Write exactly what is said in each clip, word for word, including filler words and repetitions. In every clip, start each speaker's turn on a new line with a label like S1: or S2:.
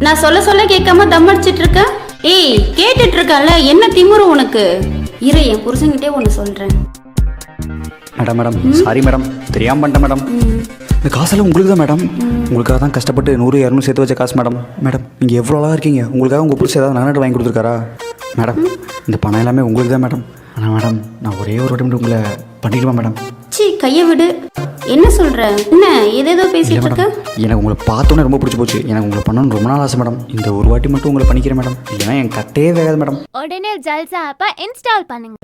S1: நான் சொல்ல சொல்ல கேட்காம தம் அடிச்சிட்டு இருக்க. ஏய் கேட்டுட்டு இருக்கல, என்ன திமிரு உனக்கு? இரு, என் புருஷன்கிட்டே ஒன்று சொல்றேன்.
S2: மேடம் மேடம் சாரி மேடம், தெரியாமல் பண்ணிட்டேன் மேடம். இந்த காசெல்லாம் உங்களுக்கு தான் மேடம். உங்களுக்காக தான் கஷ்டப்பட்டு நூறு இரநூறு சேர்த்து வச்ச காசு மேடம். மேடம் நீங்கள் எவ்வளோ அழகாக இருக்கீங்க, உங்களுக்காக உங்கள் புருஷன் ஏதாவது நகை வாங்கி கொடுத்துருக்காரா? மேடம் இந்த பணம் எல்லாமே உங்களுக்கு தான் மேடம். ஆனால் மேடம் நான் ஒரே ஒரு வாட்டி உங்களை பண்ணிடுவேன் மேடம்.
S1: சி கையை விடு. என்ன சொல்ற? என்ன ஏதேதோ பேசிட்டு இருக்க?
S2: எனக்கு உங்களை பார்த்தோன்னே ரொம்ப பிடிச்சி போச்சு. எனக்கு உங்களை பண்ணணும்னு ரொம்ப நாள் ஆசை மேடம். இந்த ஒரு வாட்டி மட்டும் உங்களை பண்ணிக்கிறேன் மேடம், இல்லைன்னா என் கட்டே வேகாது மேடம்.
S3: உடனே ஜல்சா ஆப்பை இன்ஸ்டால் பண்ணுங்க.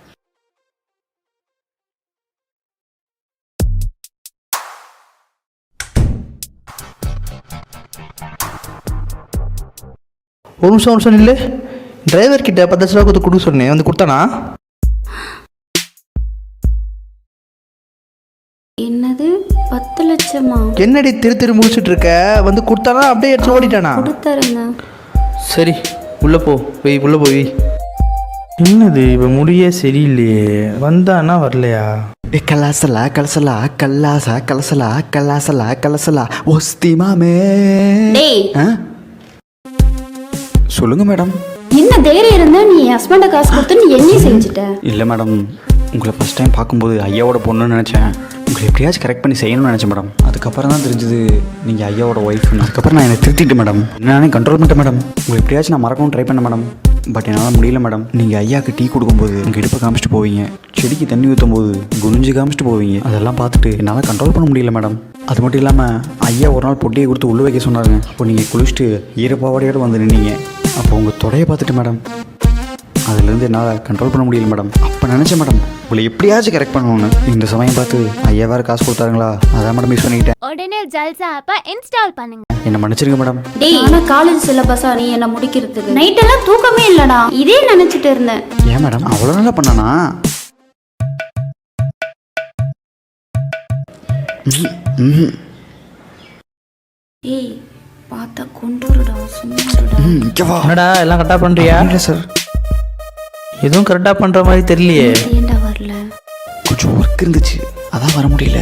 S4: ஒரு நிமிஷம் ஒரு நிமிஷம் இல்லை, டிரைவர் கிட்ட பத்து லட்ச ரூபா கொடுத்து கொடுக்க சொன்னேன், வந்து கொடுத்தானா?
S1: என்னது பத்து லட்சமா?
S4: என்னடி திரு திரு முடிச்சுட்டு இருக்க? வந்து கொடுத்தானா அப்படியே எடுத்து ஓடிட்டானா?
S1: கொடுத்தாருங்க.
S4: சரி உள்ள போ, போய் உள்ள போய். என்னது இப்போ முடியே சரியில்லையே, வந்தானா வரலையா?
S2: கலாசலா கலசலா கல்லாசா கலசலா கல்லாசலா கலசலா ஒஸ்தி மாமே.
S1: டேய்
S2: சொல்லுங்க மேடம்.
S1: என்ன தைரியம் இருந்தா நீ என் ஹஸ்பண்ட காசு கொடுத்து நீ என்ன செஞ்சுட்ட?
S2: இல்லை மேடம், உங்களை ஃபஸ்ட் டைம் பார்க்கும்போது ஐயாவோட பொண்ணுன்னு நினச்சேன். உங்களை எப்படியாச்சும் கரெக்ட் பண்ணி செய்யணும்னு நினச்சேன் மேடம். அதுக்கப்புறம் தான் தெரிஞ்சது நீங்கள் ஐயாவோட ஒய்ஃப்னு. அதுக்கப்புறம் நான் என்னை திருத்திட்டு மேடம், நானே கண்ட்ரோல் பண்ணிட்டேன் மேடம். உங்களை எப்படியாச்சும் நான் மறக்கவும் ட்ரை பண்ணேன் மேடம். பட் என்னால் முடியல மேடம். நீங்கள் ஐயாவுக்கு டீ கொடுக்கும்போது உங்கள் இடுப்பை காமிச்சிட்டு போவீங்க, செடிக்கு தண்ணி ஊற்றும் போது குனிஞ்சு காமிச்சிட்டு போவீங்க. அதெல்லாம் பார்த்துட்டு என்னால் கண்ட்ரோல் பண்ண முடியல மேடம். அது மட்டும் இல்லாமல் ஐயா ஒரு நாள் பொட்டியை கொடுத்து உள்ளே வைக்க சொன்னாருங்க. அப்போ நீங்கள் குளிச்சுட்டு ஈரப்பாவடையோடு வந்து நின்னீங்க. அப்போ உங்கள் தொடையை பார்த்துட்டு மேடம், அதுலேருந்து என்னால் கண்ட்ரோல் பண்ண முடியல மேடம். அப்போ நினச்சேன் மேடம் உங்களை எப்படியாச்சும் கரெக்ட் பண்ணணும்னு. இந்த சமயம் பார்த்து ஐயா வேறு காசு கொடுத்தாருங்களா, அதான் மேடம் மிஸ் பண்ணிக்கிட்டேன்.
S3: உடனே ஜல்சா ஆப்பை இன்ஸ்டால் பண்ணுங்க.
S2: என்ன மன்னிச்சிருங்க மேடம்.
S1: டேய் ஆனா காலேஜ் சிலபஸா நீ என்ன முடிக்கிறதுக்கு நைட் எல்லாம் தூக்கமே இல்லடா, இதே நினைச்சிட்டு இருந்தேன்.
S2: ஏன் மேடம் அவ்வளோ நல்லா பண்ணானா?
S1: ஏய் பார்த்தா கொண்டுடா, சும்மாடா.
S4: என்னடா எல்லாம் கரெக்டாக பண்ணுறியா?
S2: இல்லை சார்,
S4: எதுவும் கரெக்டாக பண்ணுற மாதிரி தெரியலையே.
S1: ஏன்டா வரல?
S2: கொஞ்சம் ஒர்க் இருந்துச்சு, அதான் வர முடியல.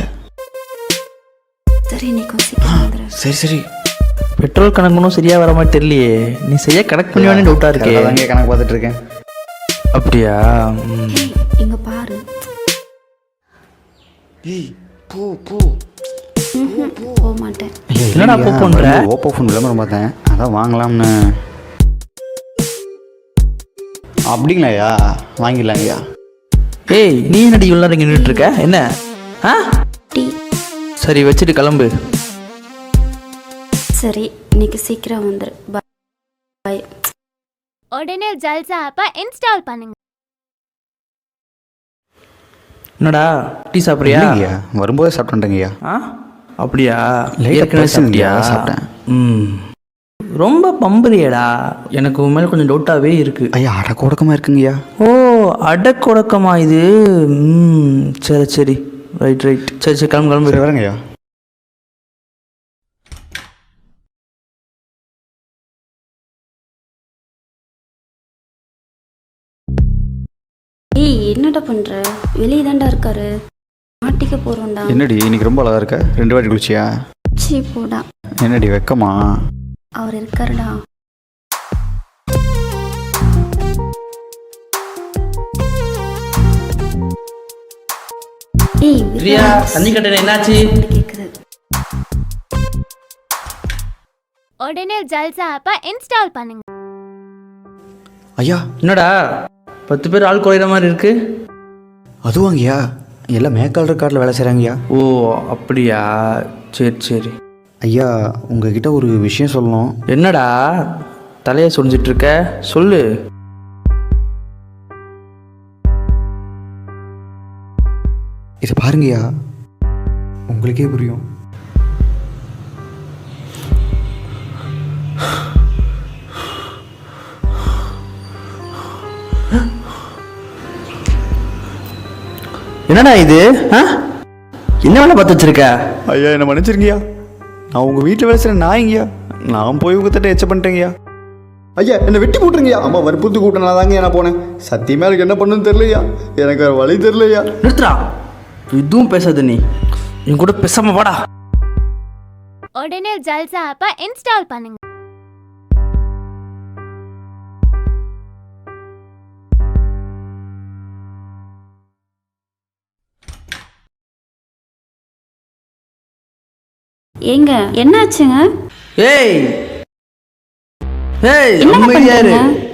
S1: சரி நீ கொஞ்சம் வந்துரு.
S2: சரி சரி.
S4: பெட்ரோல் கணக்குனும் சரியாக வர மாதிரி தெரியலையே. நீ செய்ய கனெக்ட் பண்ணுவானே டவுட்டாக இருக்கே.
S2: அங்கே கணக்கு பார்த்துட்டு இருக்கேன்.
S4: அப்படியா?
S1: இங்க பாரு.
S2: ஏய் போ போ.
S1: போக மாட்டேன்.
S4: என்னடா போ பண்ற?
S2: ஓப்போ ஃபோன் விளம்பரம் பார்த்தேன், அதான் வாங்கலாம்னு. அப்படிங்களா ஐயா? வாங்கிடலாம் ஐயா.
S4: ஏய் நீ என்னடி இவ்வளோ நேரம் நின்றுட்டு இருக்க? என்ன ஆ?
S1: டீ.
S4: சரி வச்சுட்டு கிளம்பு.
S1: சரி இன்னைக்கு சீக்கிரம் வந்துரு. பை.
S3: உடனே ஜல்சா ஆப்பை இன்ஸ்டால் பண்ணுங்க.
S4: என்னடா டீ சாப்பிட்றியா?
S2: ஐயா வரும்போது சாப்பிட்டுட்டேங்க ஐயா.
S4: ஆ அப்படியா?
S2: ஏற்கனவே சாப்பிட்டியா? சாப்பிட்டேன்.
S4: ம் ரொம்ப பம்புறியடா, எனக்கு உன் மேலே கொஞ்சம் டவுட்டாகவே இருக்கு.
S2: ஐயா அடக்கொடக்கமாக இருக்குங்கய்யா.
S4: ஓ அடக்கொடக்கமா இது? ம் சரி சரி ரைட் ரைட் சரி சரி கிளம்பு கிளம்பு.
S2: வரேங்க ஐயா.
S1: ஏய் என்னடா பண்ற? வெளியே தான்டா இருக்காரு, மாட்டிக்க போறோம்டா.
S2: என்னடி இன்னைக்கு ரொம்ப அழகா இருக்க, ரெண்டு வாட்டி குளிச்சியா?
S1: சீ போடா.
S2: என்னடி வெக்கமா?
S1: அவர் இருக்காருடா. ஏய்
S4: பிரியா தண்ணி கட்டணம் என்னாச்சு?
S1: கேக்குது.
S3: உடனே ஜல்சா ஆப்பை இன்ஸ்டால் பண்ணுங்க.
S2: ஐயா
S4: என்னடா பத்து பேர் ஆள் குறையிற மாதிரி இருக்கு?
S2: அதுவாங்கய்யா எல்லாம் மேக்கால் ரெக்கார்டில் வேலை செய்கிறாங்கய்யா.
S4: ஓ அப்படியா? சரி சரி.
S2: ஐயா உங்ககிட்ட ஒரு விஷயம் சொல்லணும்.
S4: என்னடா தலையை சொரிஞ்சிட்டு இருக்க, சொல்லு.
S2: இதை பாருங்கய்யா, உங்களுக்கே புரியும்.
S4: என்னடா இது? என்ன வேலை பார்த்து வச்சிருக்க?
S2: ஐயா என்ன மன்னிச்சிருங்கய்யா, நான் உங்கள் வீட்டில் வேலை செய்கிற நாய்ங்கய்யா. நான் போய் உங்கள் தட்ட எச்ச பண்ணிட்டேங்கய்யா. ஐயா என்னை வெட்டி போட்டுருங்கய்யா. அம்மா வற்புறுத்தி கூப்பிட்டேன், நான் தாங்க நான் போனேன். சத்தியமாக எனக்கு என்ன பண்ணுன்னு தெரியலையா, எனக்கு வேறு வழி தெரியலையா.
S4: நிறுத்துறா, இதுவும் பேசாத நீ, என் கூட பேசாம வாடா.
S3: உடனே ஜல்சா ஆப்பை இன்ஸ்டால் பண்ணுங்க.
S1: ஏங்க என்னாச்சுங்க?
S4: ஏய் ஏய்
S1: என்ன
S4: அமைதியா இரு.
S1: பண்றீங்க?